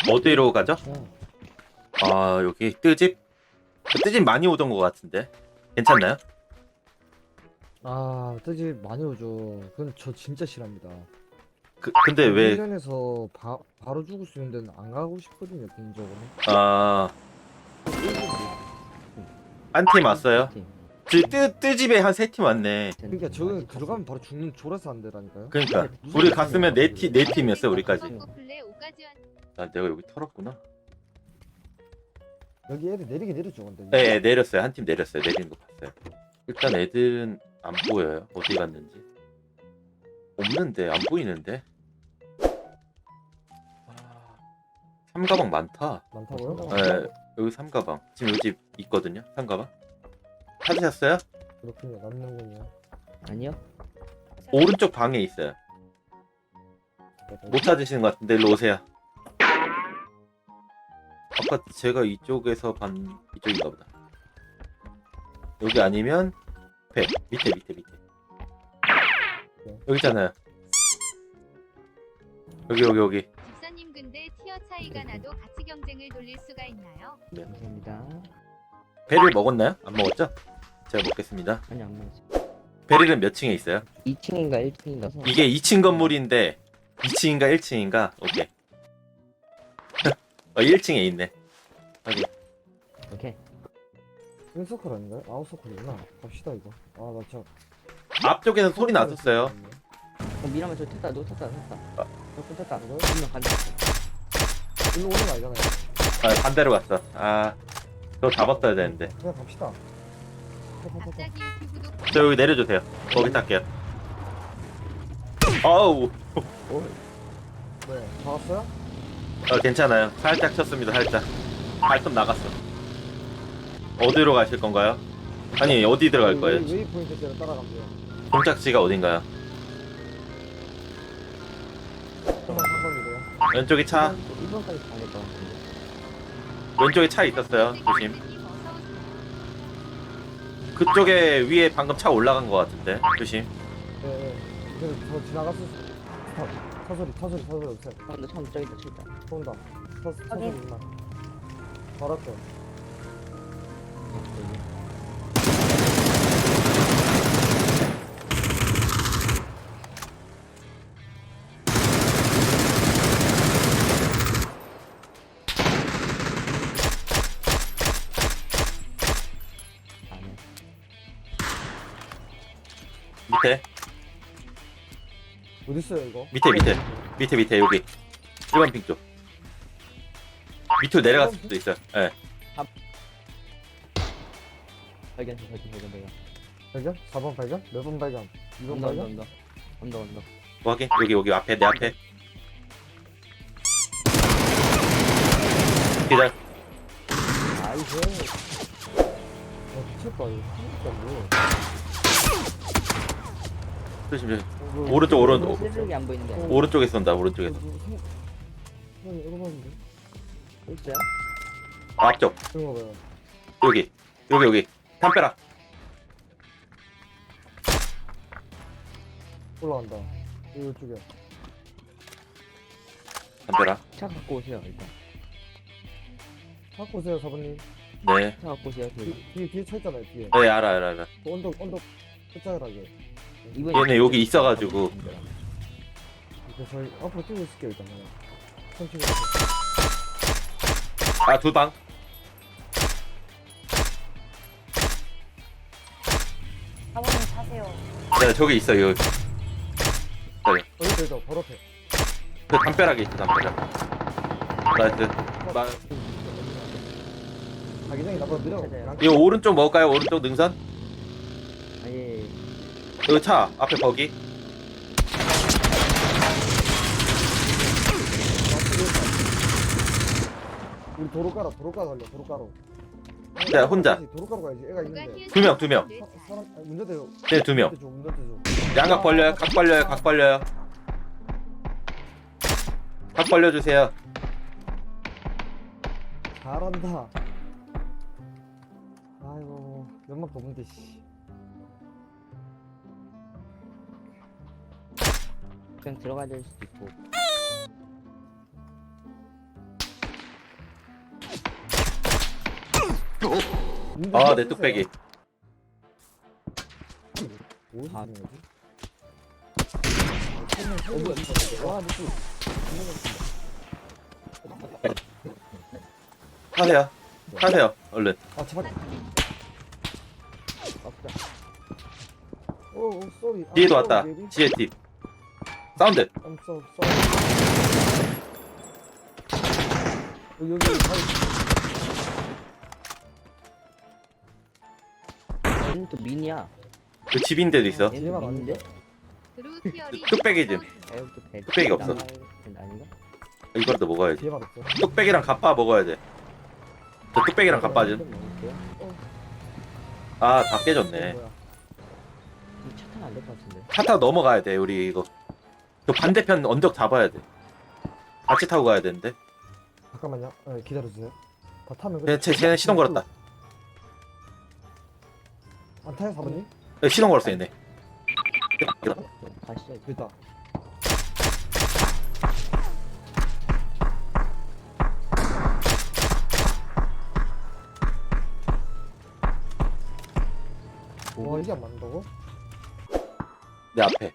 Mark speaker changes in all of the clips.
Speaker 1: 어디로 가죠?
Speaker 2: 어.
Speaker 1: 아 여기 뜨집? 뜨집 많이 오던 것 같은데 괜찮나요?
Speaker 2: 아, 뜨지 많이 오죠. 그건 저 진짜 싫어합니다.
Speaker 1: 근데 왜
Speaker 2: 훈련에서 바로 죽을 수 있는 데는 안 가고 싶거든요, 개인적으로.
Speaker 1: 아, 한 팀 왔어요? 뜨집에 한 세 팀 왔네.
Speaker 2: 그러니까 저는 들어가면 바로 죽는 졸아서 안 되라니까요.
Speaker 1: 그러니까 우리 갔으면 네 팀이었어요 우리까지.
Speaker 3: 플레 오까지원
Speaker 1: 아 내가 여기 털었구나.
Speaker 2: 여기 애들 내리긴 내렸죠, 근데.
Speaker 1: 네 내렸어요. 한 팀 내렸어요. 내리는 거 봤어요. 일단 애들은 안 보여요. 어디 갔는지. 없는데 안 보이는데. 아, 삼가방 많다.
Speaker 2: 많다고요?
Speaker 1: 네 여기 삼가방. 지금 여기 집 있거든요. 삼가방. 찾으셨어요?
Speaker 2: 그렇군요, 남는군요.
Speaker 4: 아니요.
Speaker 1: 오른쪽 방에 있어요. 못 찾으시는 것 같은데 일로 오세요. 아까 제가 이쪽에서 반 이쪽인가 보다. 여기 아니면 배 밑에 여기 있잖아요. 여기
Speaker 3: 집사님 근데 티어 차이가 나도 같이 경쟁을 돌릴 수가 있나요?
Speaker 4: 감사합니다.
Speaker 1: 배를 먹었나요? 안 먹었죠? 제가 먹겠습니다.
Speaker 4: 아니 안 먹었어.
Speaker 1: 베릴은 몇 층에 있어요?
Speaker 4: 2층인가 1층인가.
Speaker 1: 이게 2층 건물인데 2층인가 1층인가? 오케이. 1층에 있네. 확인.
Speaker 4: 오케이.
Speaker 2: 인서클 아닌가요? 아웃서클이구나. 갑시다, 이거. 아, 나 진짜.
Speaker 1: 앞쪽에서 소리 났었어요.
Speaker 4: 미라면 저 탔다. 너 탔다. 저분 탔다.
Speaker 2: 뭐요?
Speaker 4: 분명 간다.
Speaker 2: 일로 오는 거 아니잖아요.
Speaker 1: 아, 반대로 갔어. 아, 그거 잡았어야 되는데.
Speaker 2: 그냥 갑시다.
Speaker 3: 갑자기 유튜브도
Speaker 1: 저 여기 내려주세요. 거기 탈게요. 어우,
Speaker 2: 네, 잡았어요?
Speaker 1: 괜찮아요. 살짝 쳤습니다. 살짝. 발톱 나갔어. 어디로 가실 건가요? 아니 어디 들어갈 거예요?
Speaker 2: 웨이포인트 대로 따라가면 돼요.
Speaker 1: 종착지가 어딘가요?
Speaker 2: 한번 상관이래요.
Speaker 1: 왼쪽에 차.
Speaker 4: 1번까지 가야 될것 같은데.
Speaker 1: 왼쪽에 차 있었어요. 조심.
Speaker 3: 어서 오세요.
Speaker 1: 그쪽에 위에 방금 차 올라간 것 같은데. 조심.
Speaker 2: 네, 네. 그래서 저 지나갔을 때 차소리 없어요.
Speaker 4: 근데 처음 저기 있다. 저기 있다.
Speaker 2: 쏜다. 차소리 있나? 바로 앞에.
Speaker 4: 아니야.
Speaker 1: 밑에.
Speaker 2: 어딨어요, 이거?
Speaker 1: 밑에 여기. 1번 핑 쪽. 밑으로 내려갔을 수도 있어요. 예.
Speaker 4: 발견.
Speaker 2: 발견? 4번 발견? 몇 번 발견? 2번
Speaker 4: 언더.
Speaker 2: 발견?
Speaker 1: 확인. 여기 앞에 내 앞에. 기다려.
Speaker 2: 아이고. 미쳤다, 이거. 미쳤다,
Speaker 1: 조심.
Speaker 2: 이거.
Speaker 1: 오른쪽.
Speaker 4: 세력이 안 보이는 게 아니야.
Speaker 1: 오른쪽에 쏜다. 오른쪽에서.
Speaker 2: 형이 이거 봤는데?
Speaker 4: 있어요?
Speaker 1: 앞쪽.
Speaker 2: 그런 거 봐요.
Speaker 1: 여기. 담벼락.
Speaker 2: 올라간다. 이쪽에.
Speaker 1: 담벼락.
Speaker 4: 차 갖고 오세요 일단.
Speaker 2: 갖고 오세요, 사부님.
Speaker 1: 네.
Speaker 4: 차 갖고 오세요.
Speaker 2: 뒤에 차 있잖아요, 뒤에.
Speaker 1: 네 알아.
Speaker 2: 그 언덕 끝자락에.
Speaker 1: 얘네 여기 있어가지고.
Speaker 2: 그래서 저희 앞으로 뛰고 있을게요, 일단. 천천히.
Speaker 1: 아, 두 방.
Speaker 5: 사모님 타세요.
Speaker 1: 네, 저기 있어요. 여기.
Speaker 2: 여기 있어, 바로 앞에.
Speaker 1: 그 담벼락에 있어, 담벼락. 나이스.
Speaker 2: 자기장이 나보다 느려.
Speaker 4: 찾아요.
Speaker 1: 이거 오른쪽 먹을까요? 오른쪽 능선?
Speaker 4: 아예.
Speaker 1: 여기 차 앞에 거기.
Speaker 2: 우리 도로가로 걸려, 도로가로.
Speaker 1: 네, 혼자.
Speaker 2: 도로가로 가야지, 애가
Speaker 3: 누가
Speaker 2: 있는데.
Speaker 3: 티어
Speaker 1: 두 명.
Speaker 3: 차이가
Speaker 2: 사람, 아니, 운전대요.
Speaker 1: 네, 두 명.
Speaker 2: 운전대 줘.
Speaker 1: 양각 벌려요. 각 벌려요. 각 벌려주세요.
Speaker 2: 잘한다. 아이고, 연막 뽑은데, 씨.
Speaker 4: 그냥 들어가야 될 수도 있고.
Speaker 1: 아, 내 뚝배기.
Speaker 2: 어디서
Speaker 4: 아.
Speaker 2: 쓰는 거지? 와, 느낌.
Speaker 1: 타세요. 타세요. 얼른.
Speaker 2: 아, 제발.
Speaker 4: 없다.
Speaker 2: 오, 쏘리.
Speaker 1: 뒤에도 왔다. 지혜 팁. 사운드.
Speaker 2: 여기 바위.
Speaker 4: 얘는 또 미니야.
Speaker 1: 그 집인데도 있어.
Speaker 4: 얘는
Speaker 2: 얘가
Speaker 4: 또 미니인데?
Speaker 3: 브루 티어리
Speaker 1: 뚝배기 좀.
Speaker 4: 에어도 배.
Speaker 1: 뚝배기 없어.
Speaker 4: 아닌가?
Speaker 1: 이거라도 먹어야지.
Speaker 2: 뒤에만 없어.
Speaker 1: 뚝배기랑 갑바 먹어야 돼. 저 뚝배기랑 갑바 좀. 아, 다 깨졌네.
Speaker 2: 뭐야?
Speaker 4: 차 타면 안 될 것 같은데.
Speaker 1: 차 타고 넘어가야 돼, 우리 이거. 저 반대편 언덕 잡아야 돼. 같이 타고 가야 되는데.
Speaker 2: 잠깐만요. 네, 기다려주세요. 다 타면
Speaker 1: 쟤는 시동 걸었다.
Speaker 2: 안 타요, 4번님?
Speaker 1: 네, 시동 걸었어, 얘네.
Speaker 4: 가시죠. 이제.
Speaker 2: 됐다. 와, 이게 안 맞는다고?
Speaker 1: 내 앞에.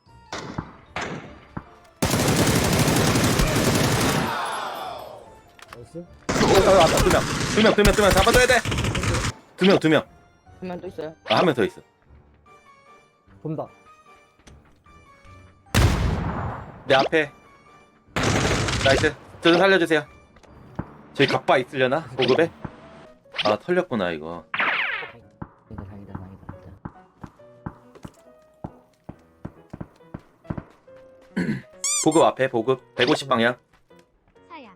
Speaker 2: 나이스.
Speaker 1: 왔다, 두 명. 잡아줘야 돼. 두 명.
Speaker 4: 한 명 또 있어요?
Speaker 1: 아, 한 명 더 있어.
Speaker 2: 본다.
Speaker 1: 내 앞에. 나이스. 저 좀 살려주세요. 저기 갑바 있으려나? 보급에? 아, 털렸구나, 이거.
Speaker 4: 다행이다.
Speaker 1: 보급 앞에, 보급. 150방향.
Speaker 3: 사양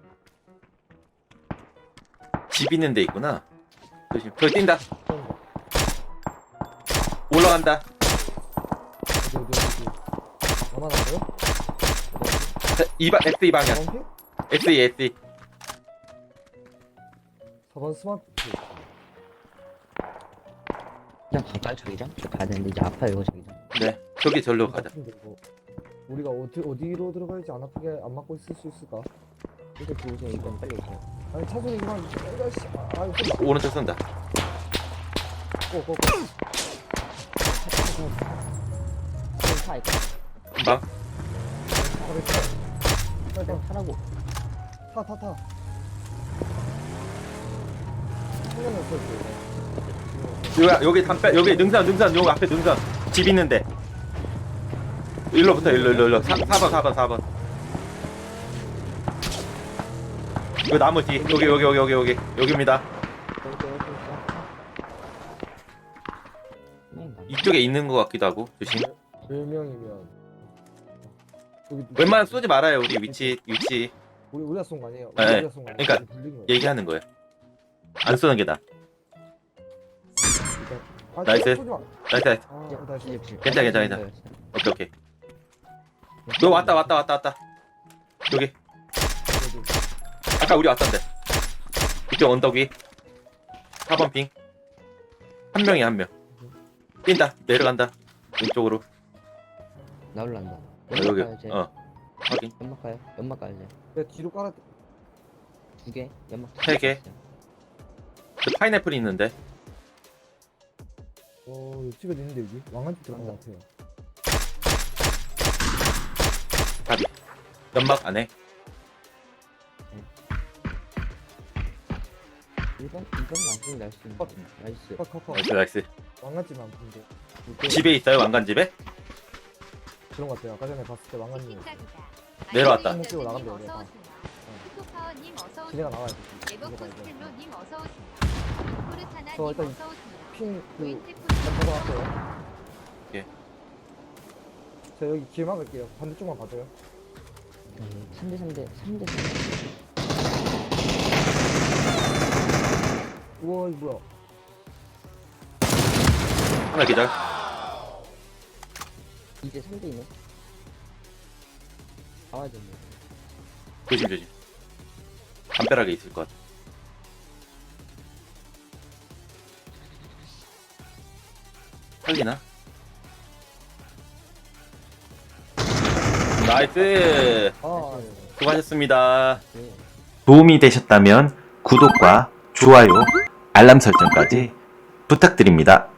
Speaker 1: 집 있는 데 있구나. 조심. 저기 뛴다.
Speaker 2: 쏜다.
Speaker 1: 올라간다.
Speaker 2: 어디. 얼마나 나요?
Speaker 1: SE 방향.
Speaker 2: 4번 피?
Speaker 1: SE.
Speaker 2: 4번 스마트.
Speaker 4: 그냥 가까이 저기장? 저 가야 되는데 이제 아파요 이거 저기장.
Speaker 1: 네. 저기 절로 가자.
Speaker 2: 아픈데, 이거. 우리가 어디로 들어가야지 안 아프게 안 맞고 있을 수 있을까?
Speaker 4: 일단 들어오세요. 일단 빨리 오세요.
Speaker 2: 아니 차 소리 그만. 아이씨. 아유, 쏜다.
Speaker 1: 오른쪽 쏜다.
Speaker 2: 고.
Speaker 4: 차 있다.
Speaker 1: 금방.
Speaker 2: 빨리
Speaker 4: 그냥 타라고.
Speaker 2: 타. 한명은 없어.
Speaker 1: 여기 여기 능선, 요 앞에 능선. 집 있는데. 일로부터, 일로. 4번. 요 나무 뒤. 여기. 여기입니다. 이쪽에 있는 것 같기도 하고. 조심.
Speaker 2: 10명이면
Speaker 1: 웬만하면 쏘지 말아요, 우리 위치.
Speaker 2: 우리가 쏜 거 아니에요?
Speaker 1: 네.
Speaker 2: 우리가 쏜거 아니에요?
Speaker 1: 그러니까
Speaker 2: 불린 거예요.
Speaker 1: 얘기하는 거예요. 안 쏘는 게 나아.
Speaker 2: 아,
Speaker 1: 나이스.
Speaker 2: 쏘지 마.
Speaker 1: 나이스.
Speaker 2: 아, 나이스.
Speaker 1: 괜찮아. 오케이. 너 왔다. 여기. 아까 우리 왔던데. 이쪽 언덕 위. 4번 핑. 한 명이야. 뛴다. 내려간다. 왼쪽으로.
Speaker 4: 나 올라간다.
Speaker 1: 여기.
Speaker 4: 가야지.
Speaker 1: 확인.
Speaker 4: 연막 가요. 연막 가야지.
Speaker 2: 내가 뒤로 깔아.
Speaker 4: 2개. 연막
Speaker 1: 3개. 그 파인애플이 있는데.
Speaker 2: 옆집에 있는데 여기 왕한집 들어간 것 같아요.
Speaker 1: 답이. 연막 안에.
Speaker 4: 1번 완전히 날수 있는 거. 나이스.
Speaker 2: 커.
Speaker 1: 나이스.
Speaker 2: 왕한집은 안 보는데.
Speaker 1: 집에 있어요, 왕관집에?
Speaker 2: 그런 것 같아요. 아까 전에 봤을 때 왕한님
Speaker 1: 내려왔다.
Speaker 2: 한번 찍고 나간대, 우리.
Speaker 3: 푸파워님 어서
Speaker 2: 지네가
Speaker 3: 오세요.
Speaker 2: 나와야 돼.
Speaker 3: 에버코스텔로님 어서 오세요. 포르타나님
Speaker 2: 저 일단
Speaker 3: 어서 오세요.
Speaker 2: 핑그
Speaker 3: 루인테프
Speaker 2: 들어갔어요.
Speaker 1: 예.
Speaker 2: 저 여기 길 막을게요. 반대쪽만 봐줘요.
Speaker 4: 3대.
Speaker 2: 우와 이거 뭐야?
Speaker 1: 하나 기절.
Speaker 4: 이제 3대 있네. 나와야 되네.
Speaker 1: 조심. 담벼락에 있을 것 같아. 살리나? 나이스.
Speaker 2: 아
Speaker 1: 수고하셨습니다.
Speaker 4: 네.
Speaker 1: 도움이 되셨다면 구독과 좋아요
Speaker 6: 알람 설정까지 부탁드립니다.